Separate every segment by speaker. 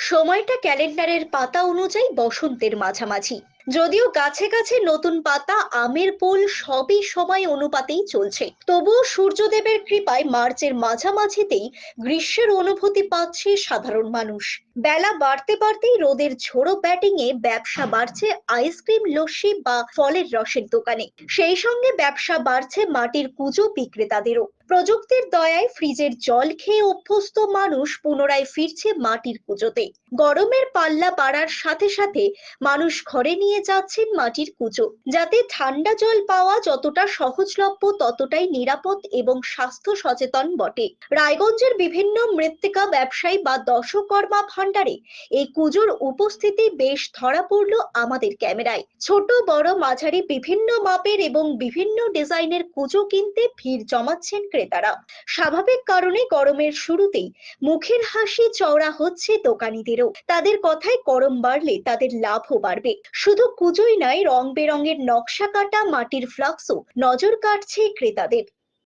Speaker 1: সময়টা ক্যালেন্ডারের পাতা অনুযায়ী বসন্তের মাঝামাঝি। যদিও গাছে গাছে নতুন পাতা, আমের পোল সবই সময় অনুপাতেই চলছে, তবুও সূর্যদেবের কৃপায় মার্চের মাঝামাঝিতেই গ্রীষ্মের অনুভূতি পাচ্ছে সাধারণ মানুষ। বেলা বাড়তে বাড়তেই রোদের ঝোড়ো ব্যাটিং এ ব্যবসা বাড়ছে আইসক্রিম, লস্যি বা ফলের রসের দোকানে। সেই সঙ্গে ব্যবসা বাড়ছে মাটির কুঁজো বিক্রেতাদেরও। প্রযুক্তির দয়ায় ফ্রিজের জল খেয়ে অভ্যস্ত মানুষ পুনরায় ফিরছে মাটির কুঁজোতে। গরমের পাল্লা বাড়ার সাথে সাথে মানুষ ঘরে নিয়ে যাচ্ছেন মাটির কুঁজো, যাতে ঠান্ডা জল পাওয়া যতটা সহজলভ্য ততটাই নিরাপদ এবং স্বাস্থ্য সচেতন বটে। রায়গঞ্জের বিভিন্ন মৃত্তিকা ব্যবসায়ী বা দশকর্মা ভান্ডারে এই কুঁজোর উপস্থিতি বেশ ধরা পড়ল আমাদের ক্যামেরায়। ছোট বড় মাঝারি বিভিন্ন মাপের এবং বিভিন্ন ডিজাইনের কুঁজো কিনতে ভিড় জমাচ্ছেন ক্রেতারা। স্বাভাবিক কারণে গরমের শুরুতেই মুখের হাসি চওড়া হচ্ছে দোকানীদেরও। তাদের কথায় গরম বাড়লে তাদের লাভও বাড়বে। শুধু কুঁজোই নয়, রং বেরঙের নকশা কাটা মাটির ফ্লাক্সও নজর কাটছে ক্রেতাদের।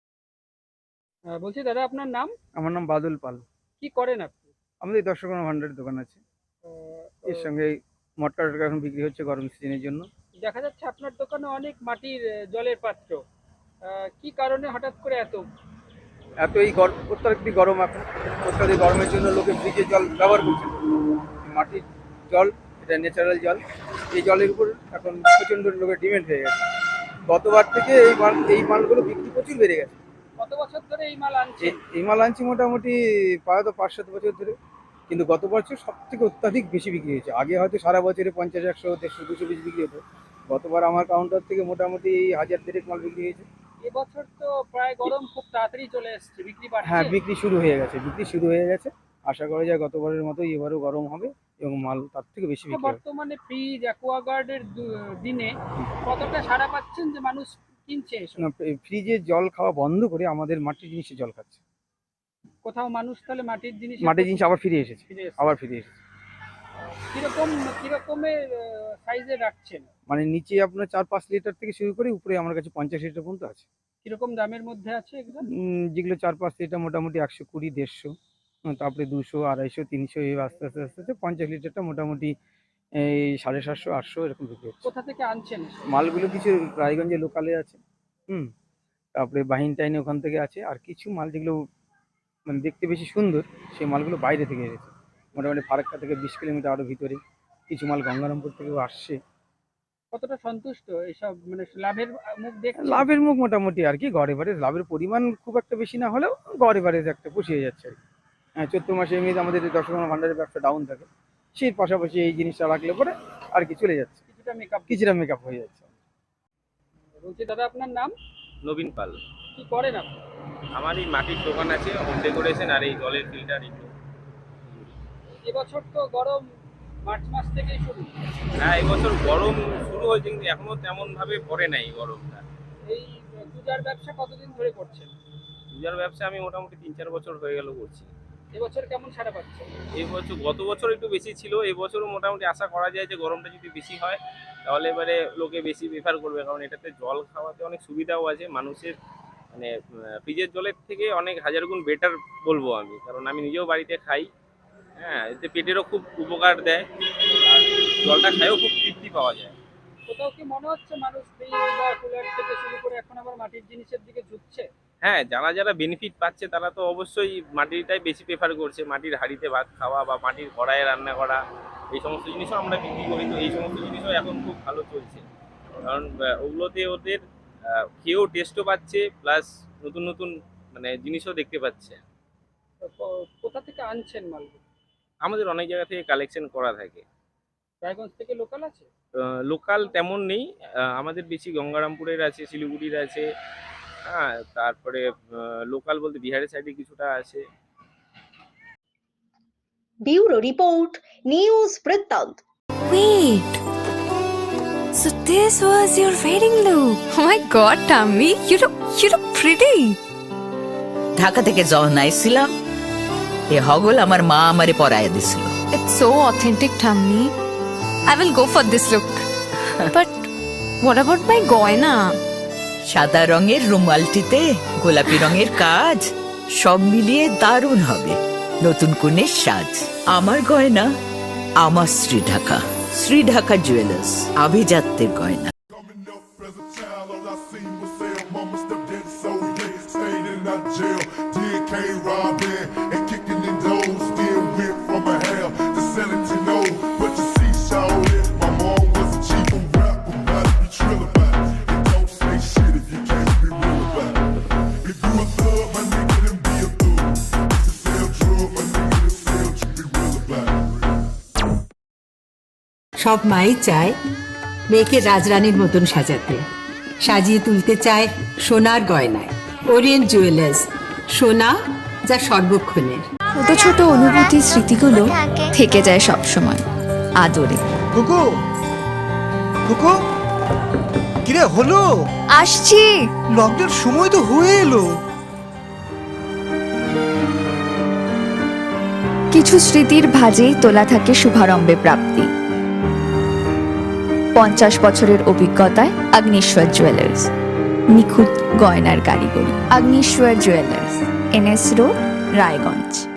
Speaker 2: বলছি দাদা, আপনার নাম?
Speaker 3: আমার নাম বাদল পাল।
Speaker 2: কি করেন আপনি?
Speaker 3: আমাদের 10 ভান্ডারের দোকান আছে। এর সঙ্গে মটকা টটকা এখন বিক্রি হচ্ছে গরম সিজনের জন্য।
Speaker 2: দেখা যাচ্ছে আপনার দোকানে অনেক মাটির জলের পাত্র। কি কারণে হঠাৎ করে এত?
Speaker 3: এত এই অত্যাধিক গরম, এখন অত্যাধিক গরমের জন্য লোকে ফ্রিজের জল ব্যবহার করছে। মাটির জল, এটা ন্যাচারাল জল, এই জলের উপর এখন প্রচণ্ড লোকের ডিমান্ড হয়ে গেছে। গতবার থেকে এই মালগুলো বিক্রি প্রচুর বেড়ে গেছে।
Speaker 2: কত বছর ধরে এই মাল আনছেন?
Speaker 3: এই মাল আনছি মোটামুটি প্রায় 5-7 বছর ধরে, কিন্তু গত বছর সব থেকে অত্যাধিক বেশি বিক্রি হয়েছে। আগে হয়তো সারা বছরে 50, 100, 150, 200 পিস বিক্রি হতো। গতবার আমার কাউন্টার থেকে মোটামুটি 1000-দেড়েক মাল বিক্রি হয়েছে।
Speaker 2: এবছর তো প্রায় গরম খুব তাড়াতাড়ি চলে এসেছে, বিক্রি বাড়ছে।
Speaker 3: হ্যাঁ, বিক্রি শুরু হয়ে গেছে। আশা করা যায় গতবারের মতোই এবারও গরম হবে এবং মাল তার থেকে বেশি বিক্রি হবে।
Speaker 2: বর্তমানে ফ্রিজ, অ্যাকোয়াগার্ডের দিনে কতটা সাড়া পাচ্ছেন যে মানুষ কিনছে এসব?
Speaker 3: না, ফ্রিজের জল খাওয়া বন্ধ করে আমাদের মাটির জিনিসের জল খাচ্ছে।
Speaker 2: কোথাও মানুষ তাহলে মাটির জিনিস
Speaker 3: আবার ফিরে এসেছে।
Speaker 2: কিরকমের সাইজে রাখছেন?
Speaker 3: মানে নিচে আপনার 4-5 লিটার থেকে শুরু করে উপরে আমার কাছে 50 লিটার পর্যন্ত আছে।
Speaker 2: কিরকম দামের মধ্যে আছে এগুলো?
Speaker 3: যেগুলো 4-5 লিটার মোটামুটি 120, 150, তারপরে 200, 250, 300, এই আস্তে আস্তে আস্তে আস্তে 50 লিটারটা মোটামুটি এই 750, 800 এরকম বিক্রি হচ্ছে।
Speaker 2: কোথা থেকে আনছেন এসব?
Speaker 3: মালগুলো কিছু রায়গঞ্জে লোকালে আছে, তারপরে বাহিন টাইনে ওখান থেকে আছে, আর কিছু মাল যেগুলো মানে দেখতে বেশি সুন্দর সেই মালগুলো বাইরে থেকে এসেছে। মোটামুটি ফারাক্কা থেকে 20 কিলোমিটার আরও ভিতরে। কিছু মাল গঙ্গারামপুর থেকেও আসছে।
Speaker 2: কতটা সন্তুষ্ট এইসব, মানে লাভের মুখ দেখছেন?
Speaker 3: লাভের মুখ মোটামুটি আর কি, গড় এভারেজ। লাভের পরিমাণ খুব একটা বেশি না হলেও গড় এভারেজ একটা পুষিয়ে যাচ্ছে আর কি। চৈত্র মাসে এমনিতে আমাদের 10 ভান্ডারের ব্যবসা ডাউন থাকে, সেই পাশাপাশি এই জিনিসটা রাখলে পরে আর কি চলে যাচ্ছে, কিছুটা মেকআপ হয়ে যাচ্ছে।
Speaker 2: বলছি দাদা, আপনার নাম?
Speaker 4: নবীন পাল।
Speaker 2: কি করেন আপনি?
Speaker 4: আমার এই মাটির দোকান আছে, হোম ডেকোরেশন আর এই জলের ফিল্টার।
Speaker 2: এবছর তো গরম মার্চ মাস থেকেই শুরু।
Speaker 4: হ্যাঁ, এবছর গরম শুরু হয়েছে কিন্তু এখনো তেমন ভাবে পড়ে নাই গরমটা।
Speaker 2: এই পূজার ব্যবসা কতদিন ধরে করছেন?
Speaker 4: পূজার ব্যবসা আমি মোটামুটি 3-4 বছর হয়ে গেল করছি।
Speaker 2: এবছর কেমন সাড়া পাচ্ছেন?
Speaker 4: এই বছর, গত বছর একটু বেশি ছিল, এবছরও মোটামুটি আশা করা যায় যে গরমটা যদি বেশি হয় তাহলে এবারে লোকে বেশি প্রেফার করবে, কারণ এটাতে জল খাওয়াতে অনেক সুবিধাও আছে মানুষের। মানে ফ্রিজের জলের থেকে অনেক হাজার গুণ বেটার বলবো আমি, কারণ আমি নিজেও বাড়িতে খাই। হ্যাঁ, এতে পেটেরও খুব উপকার দেয় আর জলটা খাইও খুব তৃপ্তি পাওয়া যায়।
Speaker 2: কোথাও কি মনে হচ্ছে মানুষ ফ্রিজ বা কুলার থেকে শুরু করে এখন আবার মাটির জিনিসের দিকে ঝুঁকছে?
Speaker 4: হ্যাঁ, যারা বেনিফিট পাচ্ছে তারা তো অবশ্যই মাটিরটাই বেশি প্রেফার করছে। মাটির হাঁড়িতে ভাত খাওয়া বা মাটির কড়াইয়ে রান্না করা, এই সমস্ত জিনিসও আমরা বিক্রি করি। তো এই সমস্ত জিনিসও এখন খুব ভালো চলছে, কারণ ওগুলোতে ওদের খেয়েও টেস্টও পাচ্ছে, প্লাস নতুন নতুন মানে জিনিসও দেখতে পাচ্ছে।
Speaker 2: কোথা থেকে আনছেন মালগুলো?
Speaker 4: আমাদের অনেক জায়গা থেকে কালেকশন করা থাকে।
Speaker 2: রায়গঞ্জ থেকে লোকাল আছে?
Speaker 4: লোকাল তেমন নেই, আমাদের বেশি গঙ্গারামপুরের আছে, শিলিগুড়ির আছে। হ্যাঁ, তারপরে লোকাল বলতে বিহারের সাইডে কিছুটা আছে।
Speaker 1: ব্যুরো রিপোর্ট, নিউজ বৃত্তান্ত।
Speaker 5: Wait, so this was your wedding look? Oh my god, Tammy, you look pretty.
Speaker 6: Dhaka থেকে যখন আইছিলাম এ হগল আমার মা আমারে পরাইয়া দিছিল।
Speaker 5: It's so authentic, Tammy. I will go for this look. But what about my goina?
Speaker 6: সাদা রঙের রুমালটিতে গোলাপি রঙের কাজ, সব মিলিয়ে দারুণ হবে নতুন কনের সাজ। আমার গয়না আমার শ্রীঢাকা। শ্রীঢাকা জুয়েলার্স, আভিজাত্যের গয়না।
Speaker 7: Coming up as a child, all I seen was sell. Mama stepped in, so yeah, stayed in that jail. Did K-Robbing and kicking in doors. Still went from a hell to selling to know. But you see, shawty, my mom was a chief of rap. About to be trill about it. And don't say shit if you can't be real about it. If you a thug, my nigga, then be a thug. If you sell drugs, my nigga, then sell, you be real about it.
Speaker 8: সব মাই চায় মেয়েকে রাজরানীর মতন সাজাতে, সাজিয়ে তুলতে চায় সোনার গয়নায়। Orient jewellers, সোনা যা সর্বক্ষণের।
Speaker 5: ছোট ছোট অনুভূতির স্মৃতিগুলো থেকে যায় সব সময় আদরে।
Speaker 9: কুকু কুকু কিরে হলো?
Speaker 5: আসছি।
Speaker 9: লকডাউন সময় তো হয়ে এলো।
Speaker 5: কিছু স্মৃতির ভাজেই তোলা থাকে শুভারম্ভে প্রাপ্তি। 50 বছরের অভিজ্ঞতায় আগ্নেশ্বর জুয়েলার্স, নিখুঁত গয়নার কারিগরি। Agneshwar jewellers, NS road, Raiganj.